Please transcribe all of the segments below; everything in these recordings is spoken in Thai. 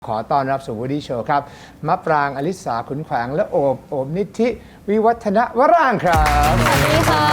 ขอต้อนรับสู่ Woody Show ครับมะปรางอลิสาขุนแขวงและโอบนิธิวิวัฒนวรางค์ครับสวัสดีค่ะ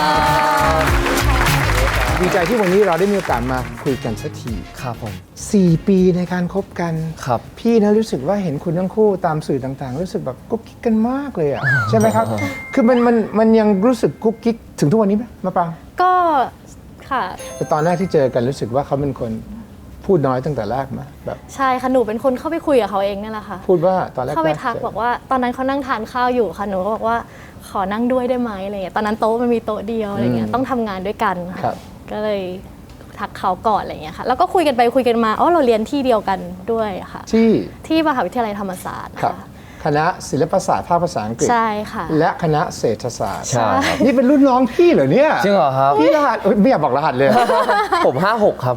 ดีใจที่วันนี้เราได้มีโอกาสมาคุยกันสักทีครับผม 4 ปีในการคบกันครับพี่นะรู้สึกว่าเห็นคุณทั้งคู่ตามสื่อต่างๆรู้สึกแบบกุ๊กกิ๊กกันมากเลยอ่ะ ใช่ไหมครับ คือมันยังรู้สึกกุ๊กกิ๊กถึงทุกวันนี้ไหมมะปรางก็ค่ะแต่ตอนแรกที่เจอกันรู้สึกว่าเขาเป็นคนพูดน้อยตั้งแต่แรกมาแบบใช่ค่ะหนูเป็นคนเข้าไปคุยกับเขาเองนี่แหละค่ะพูดว่าตอนแรกเข้าไปทักบอกว่าตอนนั้นเขานั่งทานข้าวอยู่ค่ะหนูก็บอกว่าขอนั่งด้วยได้ไหมอะไรเงี้ยตอนนั้นโต๊ะมันมีโต๊ะเดียวอะไรเงี้ยต้องทำงานด้วยกันครัค่ะบก็เลยทักเขาก่อนอะไรเงี้ยค่ะแล้วก็คุยกันไปคุยกันมาเราเรียนที่เดียวกันด้วยค่ะ ที่มหาวิทยาลัยธรรมศาสตร์ครับค่ะคณะศิลปศาสตร์ภาคภาษาอังกฤษใช่ค่ะและคณะเศรษฐศาสตร์ใช่ครับนี่เป็นรุ่นน้องพี่เหรอเนี่ยจริงเหรอครับพี่รหัสไม่อยากบอกรหัสเลยผม 56 ครับ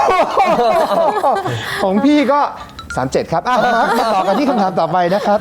ของพี่ก็ 37 ครับมาต่อกันที่คำถามต่อไปนะครับ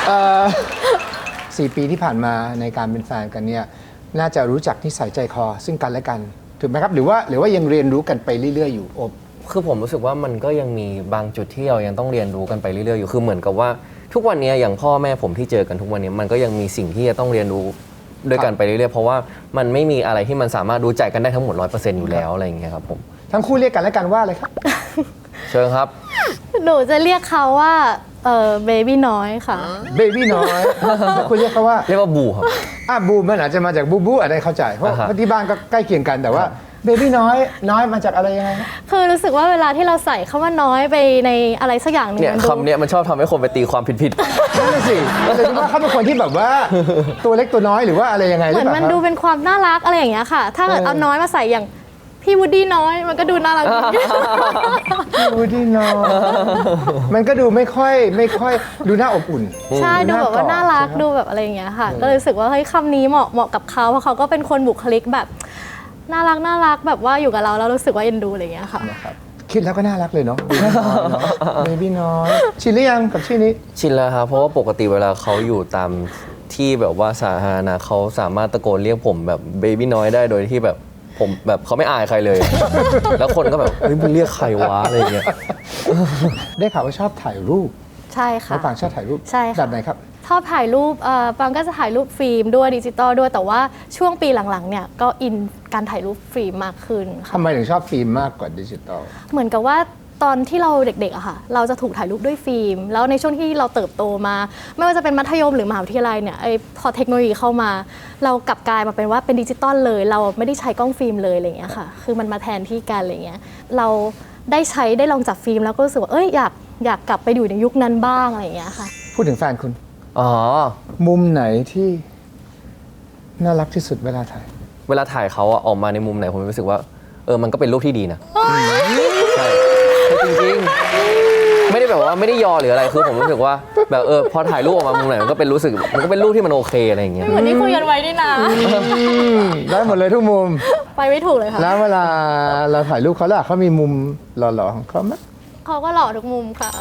4 ปีที่ผ่านมาในการเป็นแฟนกันเนี่ยน่าจะรู้จักนิสัยใจคอซึ่งกันและกันถูกไหมครับหรือว่ายังเรียนรู้กันไปเรื่อยๆอยู่อบคือผมรู้สึกว่ามันก็ยังมีบางจุดที่เรายังต้องเรียนรู้กันไปเรื่อยๆอยู่คือเหมือนกับว่าทุกวันนี้อย่างพ่อแม่ผมที่เจอกันทุกวันนี้มันก็ยังมีสิ่งที่จะต้องเรียนรู้ด้วยกันไปเรื่อยๆเพราะว่ามันไม่มีอะไรที่มันสามารถรู้ใจกันได้ทั้งหมด 100% อยู่แล้วอะไรอย่างเงี้ยครับผมทั้งคู่เรียกกันและกันว่าอะไรครับเชิญครับหนูจะเรียกเขาว่าเบบี้น้อยค่ะเบบี้น้อยแล้วคุณเรียกเขาว่าเรียกว่าบูครับบูมันอาจจะมาจากบูบูอะไรเข้าใจเพราะอ่าฮะที่บ้านก็ใกล้เคียงกันแต่ว่าเบบี้น้อยมาจากอะไรยังไงครับคือรู้สึกว่าเวลาที่เราใส่คำว่าน้อยไปในอะไรสักอย่างหนึงเนี่ยมันดูคำเนี้ยมันชอบทำให้คนไปตีความผิดนั่นนะสิแต่คิดว่าเขาเป็นคนที่แบบว่าตัวเล็กตัวน้อยหรือว่าอะไรยังไงหเหรืมืออนเปล่ามันครับดูเป็นความน่ารักอะไรอย่างเงี้ยค่ะ ถ้าเกิดเอาน้อยมาใส่อย่างพี่วูดดี้น้อยมันก็ดูน่ารักดีดูดีน้อยมันก็ดูไม่ค่อยดูน่าอบอุ่นใช่ดูแบบว่าน่ารักใช่ไหมดูแบบอะไรอย่างเงี้ยค่ะ ก็เลยรู้สึกว่าเฮ้ยคำนี้เหมาะกับเขาเพราะเขาก็เป็นคนบุคลิกแบบน่ารักแบบว่าอยู่กับเราแล้วรู้สึกว่าเอ็นดูอะไรอย่างเงี้ยค่ะนะครับคิดแล้วก็น่ารักเลยเนาะเบบี้น้อยชินหรือยังกับชื่อนี้ๆ ชินแล้วครับเพราะว่าปกติเวลาเขาอยู่ตามที่แบบว่าสาธารณะเขาสามารถตะโกนเรียกผมแบบเบบี้น้อยได้โดยที่แบบผมแบบเขาไม่อายใครเลย แล้วคนก็แบบเฮ้ยมึงเรียกใครวะอะไรอย่างเงี้ยได้ข่าวว่าชอบถ่ายรูปใช่ค่ะมะปรางชอบถ่ายรูปใช่ค่ะแบบไหนครับชอบถ่ายรูปปางก็จะถ่ายรูปฟิล์มด้วยดิจิตอลด้วยแต่ว่าช่วงปีหลังๆเนี่ยก็อินการถ่ายรูปฟิล์มมากขึ้นค่ะทำไมถึงชอบฟิล์มมากกว่าดิจิตอลเหมือนกับว่าตอนที่เราเด็กๆอะค่ะเราจะถูกถ่ายรูปด้วยฟิล์มแล้วในช่วงที่เราเติบโตมา ไม่ว่าจะเป็นมัธยมหรือมหาวิทยาลัยเนี่ยพอเทคโนโลยีเข้ามา เรากลับกลายมาเป็นว่าเป็นดิจิตอลเลยเราไม่ได้ใช้กล้องฟิล์มเลยอะไรอย่างเงี้ยค่ะคือมันมาแทนที่กันอะไรเงี้ยเราได้ลองจับฟิล์มแล้วก็รู้สึกว่าอยากกลับไปอยู่ในยุคนั้นบ้างอะไรอย่างเงี้ยค่ะพูดถึงแฟนคุณอ๋อมุมไหนที่น่ารักที่สุดเวลาถ่ายเวลาถ่ายเขาอะออกมาในมุมไหนผมรู้สึกว่ามันก็เป็นรูปที่ดีนะใช่จริงๆไม่ได้แบบว่าไม่ได้ยอหรืออะไรคือผมรู้สึกว่าแบบพอถ่ายรูปออกมามุมไหนมันก็เป็นรูปที่มันโอเคอะไรอย่างเงี้ยเหมือนที่คุยกันไว้นี่นะได้หมดเลยทุกมุมไปไม่ถูกเลยค่ะแล้วเวลาเราถ่ายรูปเขาล่ะเขามีมุมหล่อๆของเขาไหมเขาก็หล่อทุกมุมค่ะ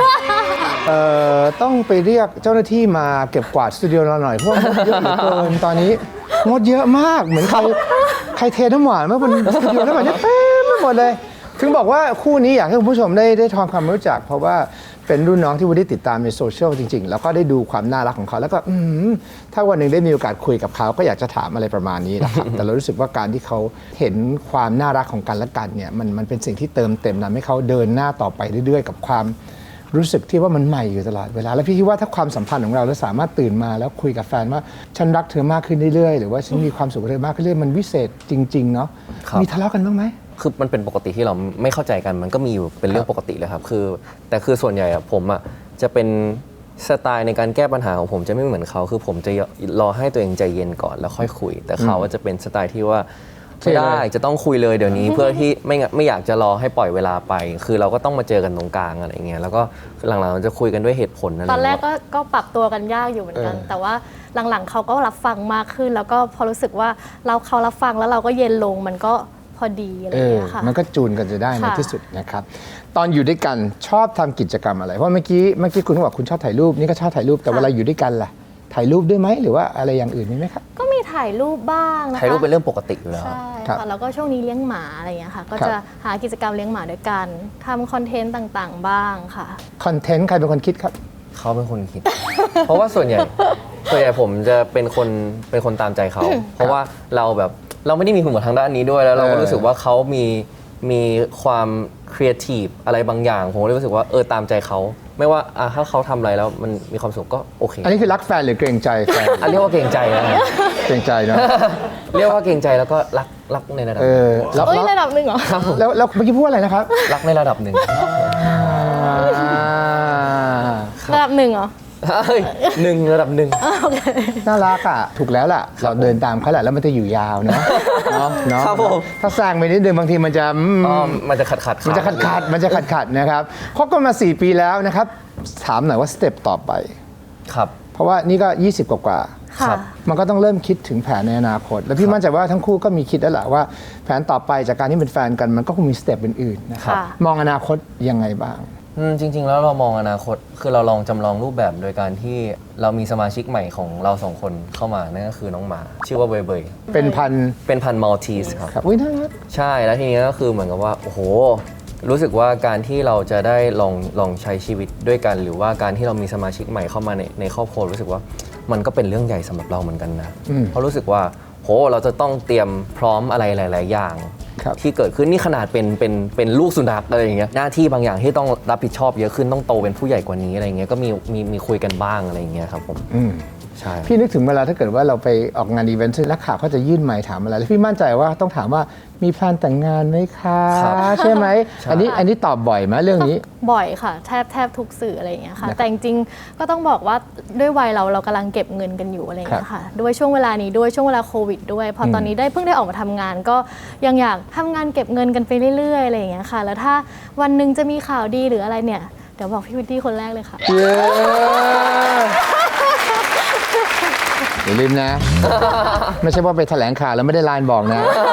ต้องไปเรียกเจ้าหน้าที่มาเก็บกวาดสตูดิโอเราหน่อยเพราะว่ามดเยอะเหลือเกินตอนนี้มดเยอะมากเหมือนใครเทน้ำหวานมาบนสตูดิโอแล้วแบบนี้เต็มไปหมดเลย ถึงบอกว่าคู่นี้อยากให้คุณผู้ชมได้ทำความรู้จัก เพราะว่าเป็นรุ่นน้องที่วุฒิติดตามในโซเชียลจริง ๆ แล้วก็ได้ดูความน่ารักของเขาแล้วก็ถ้าวันหนึ่งได้มีโอกาสคุยกับเขาก็อยากจะถามอะไรประมาณนี้นะครับ แต่เรารู้สึกว่าการที่เขาเห็นความน่ารักของกันและกันเนี่ยมันเป็นสิ่งที่เติมเต็มทำให้เขาเดินหน้าต่อไปเรื่อยๆกับความรู้สึกที่ว่ามันใหม่อยู่ตลอดเวลาแล้วพี่คิดว่าถ้าความสัมพันธ์ของเราแล้วสามารถตื่นมาแล้วคุยกับแฟนว่าฉันรักเธอมากขึ้นเรื่อยๆหรือว่าฉันมีความสุขกับเธอมากขึ้นเรื่อยๆมันวิเศษจริงๆเนาะครับมีทะเลาะกันบ้างไหมคือมันเป็นปกติที่เราไม่เข้าใจกันมันก็มีอยู่เป็นเรื่องปกติเลยครับแต่คือส่วนใหญ่อะผมอะจะเป็นสไตล์ในการแก้ปัญหาของผมจะไม่เหมือนเขาคือผมจะรอให้ตัวเองใจเย็นก่อนแล้วค่อยคุย แต่เขาจะเป็นสไตล์ที่ว่าไม่ได้จะต้องคุยเลยเดี๋ยวนี้ เพื่อที่ไม่อยากจะรอให้ปล่อยเวลาไป คือเราก็ต้องมาเจอกันตรงกลางอะไรเงี้ยแล้วก็หลังๆเราจะคุยกันด้วยเหตุผลอะไรตอนแรกเงี้ยก็ปรับตัวกันยากอยู่เหมือนกัน แต่ว่าหลังๆเขาก็รับฟังมากขึ้น แล้วก็พอรู้สึกว่าเขารับฟังแล้วเราก็เย็นลงมันก็พอดีอะไรอย่างเงี้ยค่ะมันก็จูนกันจะได้ในค่ะที่สุดนะครับ ตอนอยู่ด้วยกันชอบทำกิจกรรมอะไร เพราะเมื่อกี้คุณก็บอกคุณชอบถ่ายรูป นี่ก็ชอบถ่ายรูป แต่เวลาอยู่ด้วยกันล่ะ ถ่ายรูปด้วยไหมหรือว่าอะไรอย่างอื่นมีไหมครับก็มีถ่ายรูปบ้างนะคะถ่ายรูปเป็นเรื่องปกติอยู่แล้วใช่ครับค่ะแล้วก็ช่วงนี้เลี้ยงหมาอะไรอย่างเงี้ยค่ะก็ครับจะหากิจกรรมเลี้ยงหมาด้วยกันทำคอนเทนต์ต่างๆ บ้างค่ะคอนเทนต์ใครเป็นคนคิดครับเขาเป็นคนคิด เพราะว่าส่วนใหญ่ผมจะเป็นคนตามใจเขา เพราะว่าเราไม่ได้มีหุ่นทางด้านนี้ด้วยแล้วเราก็รู้สึกว่าเขามีความครีเอทีฟอะไรบางอย่างผมเลยรู้สึกว่าตามใจเขาไม่ว่าถ้าเขาทำอะไรแล้วมันมีความสุขก็โอเคอันนี้คือรักแฟนหรือเกรงใจแฟนเรียกว่าเกรงใจนะเกรงใจเนอะเรียกว่าเกรงใจแล้วก็รักในระดับแล้วเอ้ยระดับหนึ่งเหรอแล้วเมื่อกี้พูดอะไรนะครับรักในระดับหนึ่งระดับหนึ่งเหรอเฮ้ยหนึ่งระดับหนึ่งโอเคน่ารักอ่ะถูกแล้วล่ะ เราเดินตามเขาแหละแล้วมันจะอยู่ยาวเนาะเนาะครับผมถ้าแซงไปนิดนึงบางทีมันจะมันจะขัดมันจะขัดนะครับคบกันมา 4 ปีแล้วนะครับ ถามหน่อยว่าสเต็ปต่อไปครับเพราะว่านี่ก็ 20 กว่าค่ะครับมันก็ต้องเริ่มคิดถึงแผนในอนาคต แล้วพี่มั่นใจว่าทั้งคู่ก็มีคิดแล้วแหละว่าแผนต่อไปจากการที่เป็นแฟนกันมันก็คงมีสเต็ปอื่นๆนะครับค่ะมองอนาคตยังไงบ้างจริง ๆ แล้วเรามองอนาคตคือเราลองจำลองรูปแบบโดยการที่เรามีสมาชิกใหม่ของเราสองคนเข้ามานั่นก็คือน้องหมา ชื่อว่าเบยเบยเป็นพันเป็นพันธุ์มัลทีสครับครับอุ้ยน่ารักใช่แล้วทีนี้ก็คือเหมือนกับว่าโอ้โหรู้สึกว่าการที่เราจะได้ลองใช้ชีวิตด้วยกัน หรือว่าการที่เรามีสมาชิกใหม่เข้ามาในครอบครัวรู้สึกว่ามันก็เป็นเรื่องใหญ่สำหรับเราเหมือนกันนะ เพราะรู้สึกว่าโหเราจะต้องเตรียมพร้อมอะไรหลาย ๆ อย่างครับที่เกิดขึ้นนี่ขนาดเป็นลูกสุนัขอะไรอย่างเงี้ยหน้าที่บางอย่างที่ต้องรับผิดชอบเยอะขึ้นต้องโตเป็นผู้ใหญ่กว่านี้อะไรอย่างเงี้ยก็มีคุยกันบ้างอะไรอย่างเงี้ยครับผมอืมใช่พี่นึกถึงเวลาถ้าเกิดว่าเราไปออกงานอีเวนต์นักข่าวเขาจะยื่นไมค์ถามอะไรแล้วพี่มั่นใจว่าต้องถามว่ามีแพลนแต่งงานไหมคะครับใช่ไหมใช่อันนี้ตอบบ่อยไหมเรื่องนี้บ่อยค่ะแทบทุกสื่ออะไรอย่างเงี้ยค่ะนะครับแต่จริงๆก็ต้องบอกว่าด้วยวัยเรากำลังเก็บเงินกันอยู่อะไรอย่างเงี้ยค่ะด้วยช่วงเวลานี้ด้วยช่วงเวลาโควิดด้วยพอตอนนี้เพิ่งได้ออกมาทำงาน ก็ยังอยากทำงานเก็บเงินกันไปเรื่อยๆอะไรอย่างเงี้ยค่ะแล้วถ้าวันหนึ่งจะมีข่าวดีหรืออะไรเนี่ยเดี๋ยวบอกพี่วิตตี้คนแรกเลยค่ะเย้อย่าลืมนะ ไม่ใช่ว่าไปแถลงข่าวแล้วไม่ได้ไลน์บอกนะ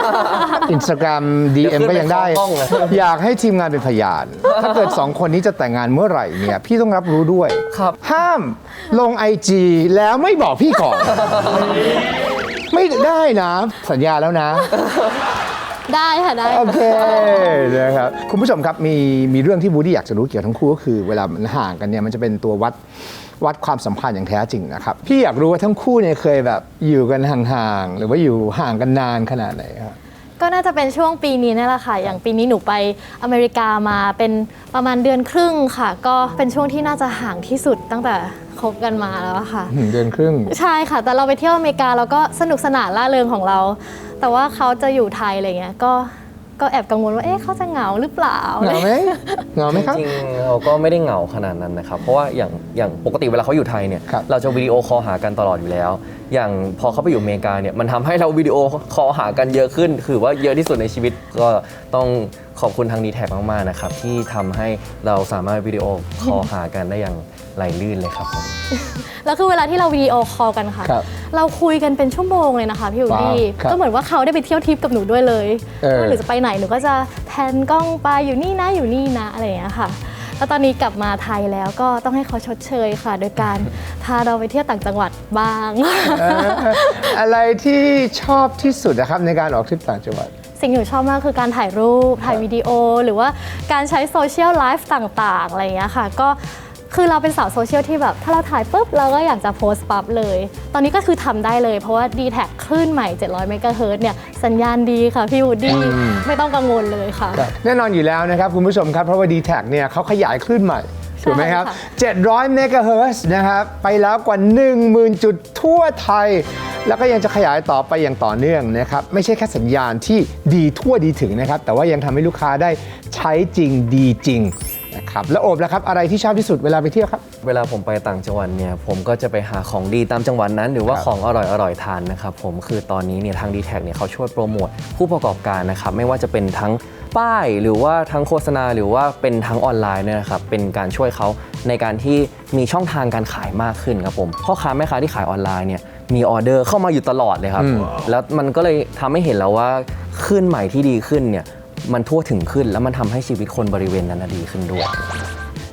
Instagram DM ก็ยังได้เดี๋ยวขึ้นไปเข้าห้องเลยอยากให้ทีมงานเป็นพยาน ถ้าเกิด 2 คนนี้จะแต่งงานเมื่อไหร่เนี่ย พี่ต้องรับรู้ด้วยครับห้ามลง IG แล้วไม่บอกพี่ก่อน ไม่ได้นะ สัญญาแล้วนะได้ค่ะได้โอเคนะครับคุณผู้ชมครับมีเรื่องที่บูดี้อยากจะรู้เกี่ยวกับทั้งคู่ก็คือเวลามันห่างกันเนี่ยมันจะเป็นตัววัดความสัมพันธ์อย่างแท้จริงนะครับพี่อยากรู้ว่าทั้งคู่เนี่ยเคยแบบอยู่กันห่างๆหรือว่าอยู่ห่างกันนานขนาดไหนครับก็น่าจะเป็นช่วงปีนี้นี่แหละค่ะ อย่างปีนี้หนูไปอเมริกามาเป็นประมาณเดือนครึ่งค่ะ ก็เป็นช่วงที่น่าจะห่างที่สุดตั้งแต่คบกันมาแล้วอะค่ะเดือนครึ่งใช่ค่ะ แต่เราไปเที่ยวอเมริกาเราก็สนุกสนานร่าเริงของเรา แต่ว่าเขาจะอยู่ไทยอะไรเงี้ย ก็แอบกังวลว่า เอ๊ะเขาจะเหงาหรือเปล่าเหงาไหมเหงาไหมครับจริงๆเราก็ไม่ได้เหงาขนาดนั้นนะครับ เพราะว่าอย่างปกติเวลาเขาอยู่ไทยเนี่ยครับเราจะวิดีโอคอลหากันตลอดอยู่แล้ว อย่างพอเขาไปอยู่อเมริกาเนี่ยมันทำให้เราวิดีโอคอลหากันเยอะขึ้น คือว่าเยอะที่สุดในชีวิตก็ต้องขอบคุณทางดีแท็กมากๆนะครับที่ทำให้เราสามารถวิดีโอคอลหากันได้อย่างไหลลื่นเลยครับผมแล้วคือเวลาที่เราวิดีโอคอลกันค่ะครับเราคุยกันเป็นชั่วโมงเลยนะคะพี่อูดี้ว้าวครับก็เหมือนว่าเขาได้ไปเที่ยวทริปกับหนูด้วยเลย หรือจะไปไหนหนูก็จะแพนกล้องไปอยู่นี่นะอยู่นี่นะอะไรอย่างเงี้ยค่ะ แล้วตอนนี้กลับมาไทยแล้วก็ต้องให้เขาชดเชยค่ะ โดยการพาเราไปเที่ยวต่างจังหวัดบ้างอะไรที่ชอบที่สุดนะครับในการออกทริปต่างจังหวัดสิ่งที่หนูชอบมากคือการถ่ายรูป ถ่ายวิดีโอ หรือว่าการใช้โซเชียลไลฟ์ต่างๆ อะไรอย่างเงี้ยค่ะ ก็คือเราเป็นสาวโซเชียลที่แบบ ถ้าเราถ่ายปุ๊บ เราก็อยากจะโพสต์ปั๊บเลย ตอนนี้ก็คือทำได้เลย เพราะว่า d t แทคลื่นใหม่ 700 เมกะเฮิรตซ์เนี่ย สัญญาณดีค่ะ พี่วูดดี้ไม่ต้องกังวลเลยค่ะแน่นอนอยู่แล้วนะครับคุณผู้ชมครับ เพราะว่า d t แทเนี่ยเขาขยายคลื่นใหม่ถูกไหมครับค่ะ 700 เมกะเฮิรตซ์นะครับ ไปแล้วกว่า 10,000 จุดทั่วไทย แล้วก็ยังจะขยายต่อไปอย่างต่อเนื่องนะครับ ไม่ใช่แค่สัญญาณที่ดีทั่วดีถึงนะครับ แต่ว่ายังทำให้ลูกค้าได้ใช้จริงดีจริงนะครับ แล้วโอบนะครับ อะไรที่ชอบที่สุดเวลาไปเที่ยวครับเวลาผมไปต่างจังหวัดเนี่ยผมก็จะไปหาของดีตามจังหวัดนั้น หรือว่าครับของอร่อยทานนะครับผมคือตอนนี้เนี่ยทาง d t แทเนี่ยเขาช่วยโปรโมทผู้ประกอบการนะครับไม่ว่าจะเป็นทั้งป้ายหรือว่าทั้งโฆษณาหรือว่าเป็นทั้งออนไลน์เนี่ยนะครับเป็นการช่วยเขาในการที่มีช่องทางการขายมากขึ้นครับผมพ่อค้าแม่ค้าที่ขายออนไลน์เนี่ยมีออเดอร์เข้ามาอยู่ตลอดเลยครับแล้วมันก็เลยทำให้เห็นแล้วว่าคลื่นใหม่ที่ดีขึ้นเนี่ยมันทั่วถึงขึ้นแล้วมันทำให้ชีวิตคนบริเวณนั้นนะดีขึ้นด้วย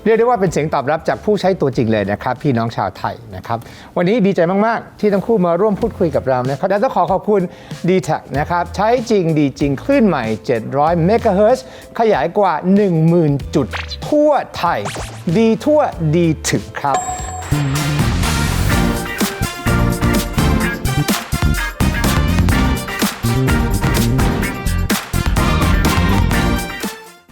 เรียกได้ว่าเป็นเสียงตอบรับจากผู้ใช้ตัวจริงเลยนะครับพี่น้องชาวไทยนะครับวันนี้ดีใจมากๆที่ทั้งคู่มาร่วมพูดคุยกับเรานะครับและต้องขอขอบคุณ D-Tech นะครับใช้จริงดีจริงคลื่นใหม่700 เมกะเฮิรตซ์ขยายกว่า 10,000 จุดทั่วไทยดีทั่วดีถึงครับ